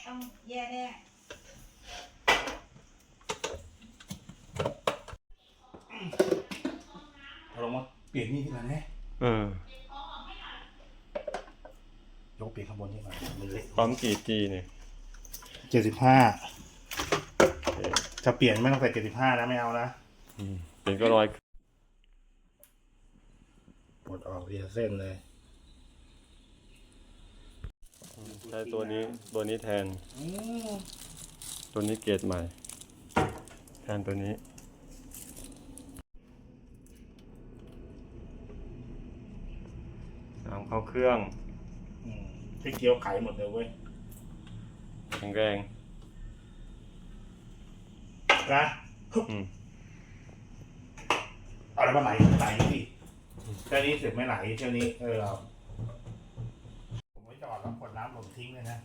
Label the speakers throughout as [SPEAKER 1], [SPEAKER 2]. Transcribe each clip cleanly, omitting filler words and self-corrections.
[SPEAKER 1] ต้องแย่แน่
[SPEAKER 2] เราลงมาเปลี่ยนนี่ที่มันไหมยกเปลี่ยนข้างบนนี่มามันเล็ก
[SPEAKER 3] ปั๊มกี่จีเนี่ย
[SPEAKER 2] 75จะเปลี่ยนไม่ต้องใส่75นะไม่เอานะ
[SPEAKER 3] เป็นก็ร้อย
[SPEAKER 2] ปลดออกเรียเส้นเลย
[SPEAKER 3] ใช้ตัวนี้แทนตัวนี้เกรดใหม่แทนตัวนี้น้ำเข้าเครื่อง
[SPEAKER 2] ที่เกี๊ยวไขหมดเลยเว้ย
[SPEAKER 3] แข็งแรง
[SPEAKER 2] นะเอาอะไรมาไหลสิแค่นี้เสร็จไม่ไหลเท่านี้เราผมไม่จอดแล้วกดน้ำผมทิ้งเลยนะ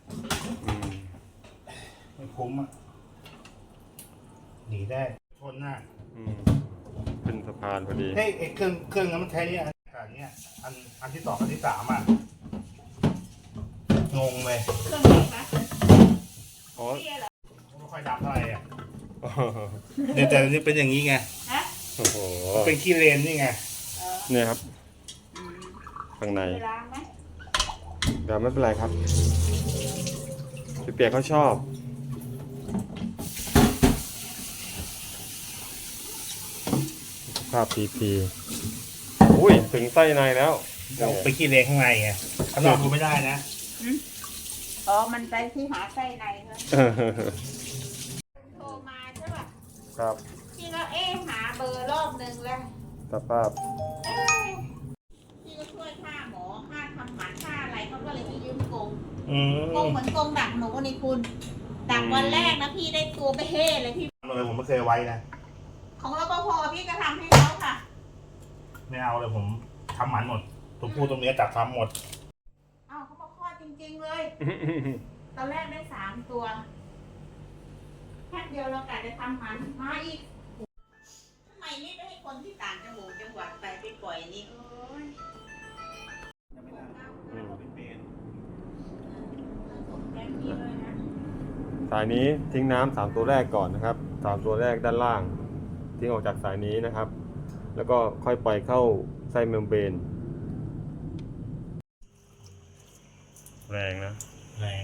[SPEAKER 2] ไม่คุ้มอ่ะหนีได้ชนหน้า
[SPEAKER 3] ขึ้นสะพานพอดี
[SPEAKER 2] เฮ้ยเครื่องนั้นมันใช้เนี่ยอันนี้อันที่2อันที่3อ่ะงงเลย
[SPEAKER 1] เครื่องไหนคะ
[SPEAKER 3] อ๋อ
[SPEAKER 2] ไม่ค่อยดำเท่าไหร่อ่ะเนี่ยแต่นี่เป็นอย่างนี้ไง
[SPEAKER 3] โอ้โห
[SPEAKER 2] เป็นขี้เลนนี่ไง
[SPEAKER 3] เนี่ยครับข้างใน
[SPEAKER 1] ล้างไหม
[SPEAKER 3] เดี๋ยวไม่เป็นไรครับพี่เปียกเขาชอบภาพพีอุ้ยถึงไส้ในแล้ว
[SPEAKER 2] เราไปขี้เลนข้างในไงข้างนอกดูไม่ได้นะ
[SPEAKER 1] อ๋อมันไปที่หาไส้ในครับโทรมาใช่ป่ะ
[SPEAKER 3] ครับ
[SPEAKER 1] พี่ก็หาเบอร์รอบนึงแล้ว
[SPEAKER 3] สภาพ
[SPEAKER 1] พี่ก็ช่วยค่าหมอค่าทำหมันค่าอะไรเขาก็เลยไปยืมกงเหมือนกงดักหนูนี่คุณดักวันแรกนะพี่ได้ตัวไปเฮ่เลยพี่
[SPEAKER 2] เลยผมไม่เคยไว้นะ
[SPEAKER 1] ของรปภพี่ก็ทำให้เขาค่ะ
[SPEAKER 2] ไม่เอาเลยผมทำหมันหมดตัวผู้ตัวเมียจับทำหมด
[SPEAKER 1] เขามาคลอดจริงๆเลยตอนแรกได้3 ตัวแค่เดียวเรากะจะทำหมันมาอีกทำไมไม่ไปให้คนที่ต่างจังหวัดไปปล่อยนี่โอ้ย
[SPEAKER 3] สายนี้ทิ้งน้ำ3ตัวแรกก่อนนะครับ3ตัวแรกด้านล่างทิ้งออกจากสายนี้นะครับ แล้วก็ค่อยปล่อยเข้าไส้เมมเบรนแรงนะ
[SPEAKER 2] แรง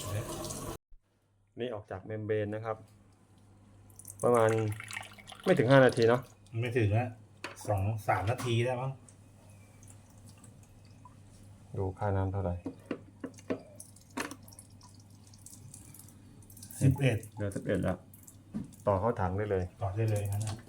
[SPEAKER 3] นี่ออกจากเมมเบรนนะครับประมาณไม่ถึง5 นาทีเนาะ
[SPEAKER 2] ไม่ถึงนะ2-3 นาทีได้มั้ง
[SPEAKER 3] ดูค่าน้ำเท่าไหร่
[SPEAKER 2] 11
[SPEAKER 3] เหลือ11แล้วต่อเข้าถังได้เลย
[SPEAKER 2] ต่อได้เลยนะ